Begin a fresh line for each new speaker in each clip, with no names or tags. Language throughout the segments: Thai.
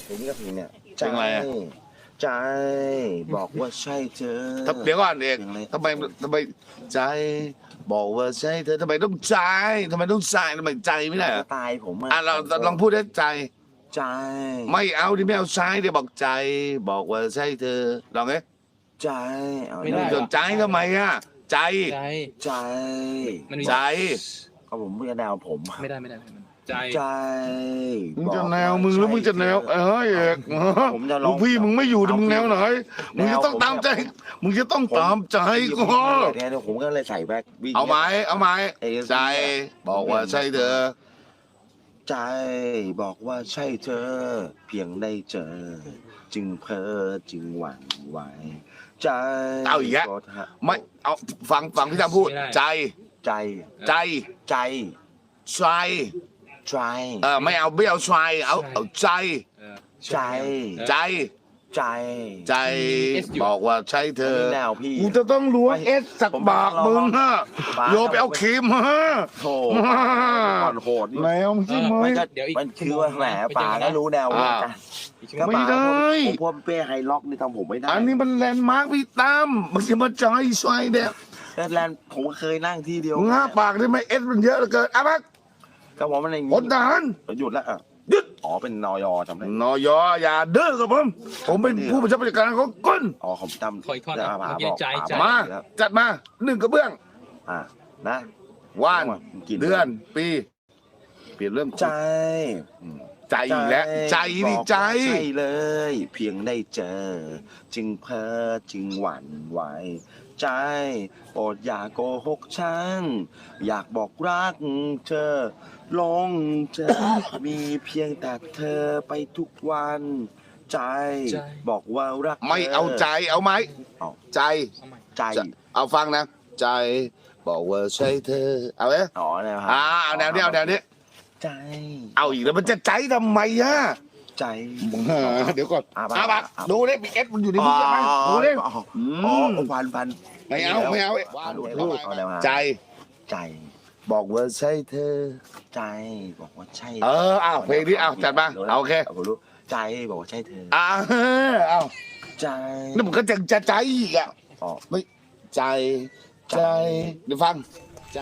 เพลงนี้ก็เพลงเนี่ย
เพลงอะไรอะ
ใจบอกว่าใช่เธอ
เดี๋ยวก่อนเอกทำไมใจบอกว่าใช่เธอทำไมต้องใจทำไมต้องใจทำไมใจไม่ได้เหรอ
ตายผม
เราลองพูดได้ใจ
ใจ
ไม่เอาดิไม่เอาใจเดี๋ยวบอกใจ บอกว่าใช่เธอลองไง
ใจเอา
ไม่ได้
สนใจทำไมอ่ะใจ
ใจ
ใจ
มันมี
ใจ
ก็ผมไม่แนวผม
ไม่ได้ใจ
ใจ
มึงจะแนวมึงแล้วมึงจะแนวเอก
ผมจะล
ลู
อง
กพี่มึงไม่อยู่แต่มึงแนวไหนมึงจะต้อง
แนวผม
ตามใจมึงจะต้องตามใจก็
เนี่ยผมก็เลยใส่แบ็ควิ่ง
เอาไหมใจบอกว่าใช่เธอ
ใจบอกว่าใช่เธอ เพียงได้เจอ จึงเพ้อจึงหวั่นไหวใจ
เอาอีกแล้วไม่เอาฟังพี่ทำพูดใจ
ใจ
ใจ
ใจ
ใจ
ใจ
ไม่เอาใจเอาใจ
ใจ
ใจ
ใจ
ใจบอกว่าใช่เธอ
แนวพี่
กูจะต้องล้วงเอสสักบากมึงฮะโยไปเอาครีมฮะ
โธ่ก่อนโหด
แนวมึงใช่ไหม
มันคือว่าแหมป่าก็รู้แนวเหมือนกัน
ไม่ได้
ผมพวกเป้ไฮล็อกนี่ทำผมไม่ได้
อันนี้มันแลนด์มาร์คพี่ตั้มมึงจะมาใจซวยเด็ก
แลนด์ผมเคยนั่งที่เดียว
ง่าปากได้ไหมเอสมันเยอะเหลือเกินอ่ะพัก
ก็ผมมันอย่าง
พลทหาร
หยุดแล้วหยุดอ๋อเป็นนอยจำได้
นอยอย่าเด้อกับผมเป็นผู้บัญชาการของก้น
อ๋อผมจำ
ขออีกท่อนนะเมื่อกี้ใจ
มาจัดมา1 กระเบื้อง
นะ
วันเดือนปีเปลี่ยนเรื่อง
ใจ
ใจอีกแล้วใจนี่ใจ
ใช่เลย เพียงได้เจอ จึงเพ้อจึงหวั่นไหวใจโปรดอย่าโกหกฉันอยากบอกรักเธอลงเธอ มีเพียงแต่เธอไปทุกวัน ใจบอกว่ารัก
ไม่เอาใจเอาไหมใจ
ใจ
เอาฟังนะ ใจบอกว่าใช่เธอเอาไหม
อ๋อแนว
เอาแนวนี้เอาแนวนี้
ใจ
เอาอีกแล้วมันจะใจทำไมอ่ะ
ใจ
เดี๋ยวก่อน
อ่ะ
บักดูดิมีเอสมันอยู่ในนี้ใช่ไหมดูดิ
อ๋อพัน
ไม่เอา ใจ
ใจ
บอกว่าใช่เธอ
ใจบอกว่าใช่
เอาเพลงนี้เอาจัดมาเอาโอเค
ผมรู้ใจบอกว่าใช่เธอ
เอา
ใจ
แล้วมันก็จะใจอีกอ่ะ
อ๋อ
ไม่ใจเดี๋ยวฟังใจ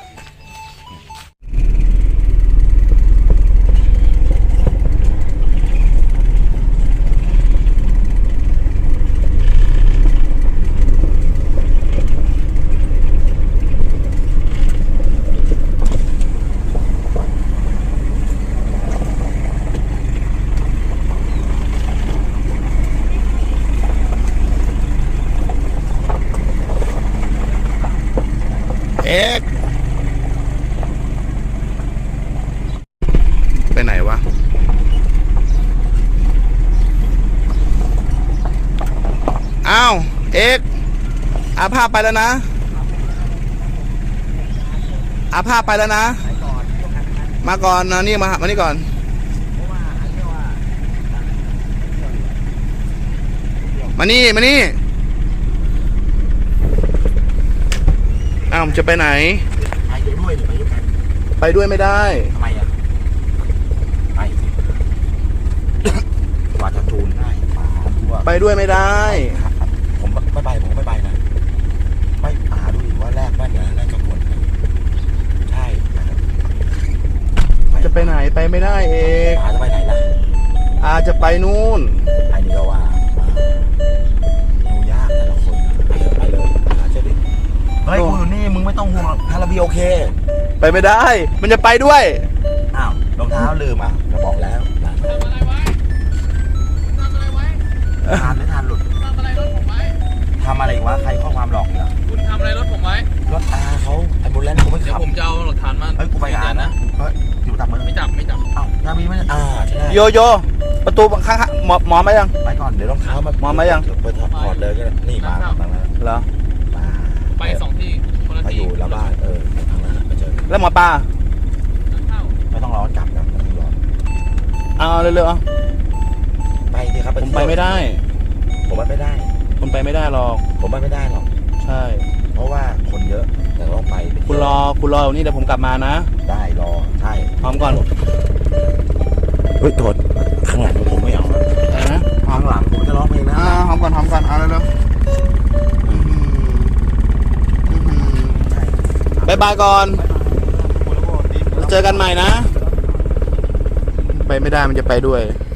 เอกไปไหนวะอ้าวเอกอาภาพไปแล้วนะอาภาพไปแล้วนะมาก่อนนะนี่มานี่ก่อนมานี่อ้าวจะไปไหน
ไปด้วยหรือไปด้วยกัน
ไปด้วยไม่ได้
ทำไมอ่ะไปกว่าจะจูนได้
ไปด้วยไม่ได้
ผมไม่ไปนะไม่ดูดิว่าแรกบ้านเดี๋ยวแรกกระบวนใช่
จะไปไหนไปไม่ได้เอก
จะไปไหนล่ะ
อาจะไปนู่น
อันนี้ก็ว่าดูยากแต่ละคนไปเลยเชื่อดิเฮ้ยกูอยู่นี่มึงไม่ต้องห่วงฮาราบีโอเค
ไปไม่ได้ มันจะไปด้วย
อ้าวรองเท้าลืมจะบอกแล้ว
ทำอะไรไว้
ทานไม่ทานหลุด
ทำอะไรรถผมไว้
ทำอะไรวะใครข้อความหลอกเนี่ย
คุณทำอะไรรถผมไว้
รถเขาไอ้บุญแลนด์ผมไม่
เดี๋ย
ขั
ว
บ
ผมจะเอาหลักฐานมา
เฮ้ยกูไปงานนะเฮ้ยอยู่ตับมือ
ไม่จับ
อ้าวนาบีไม่ใช่
โยประตูข้างหมอมายัง
ไปก่อนเดี๋ยวรองเท้ามา
มาไหมยัง
ไปถอดเลยก็ได้นี่มาแล้ว
เหรอ
ไป2 ที่คนละ
มาอ
ที่
ยู่แล้วบ้านทางนั้นมาเจอ
แล้วหมอปลา
เข้า
ไม่ต้องร้อนกลับนะไม่ต้องร้อน
เอาเร็วๆเอา
ไปดิครับ
ผมไปไม่ได้
ผมไปไม่ได้
คุณไปไม่ได้หรอก
ผมไปไม่ได้หรอก
ใช่
เพราะว่าคนเยอะแต่ต้องไป
คุณรออยู่นี่เดี๋ยวผมกลับมานะ
ได้รอใช่
พร้อมก่อน
เฮ้ยโทษข้างหลังผมไม่เอานะ
หอมก่อนเอาเร็วๆบายบายก่อนเจอกันใหม่นะไปไม่ได้มันจะไปด้วย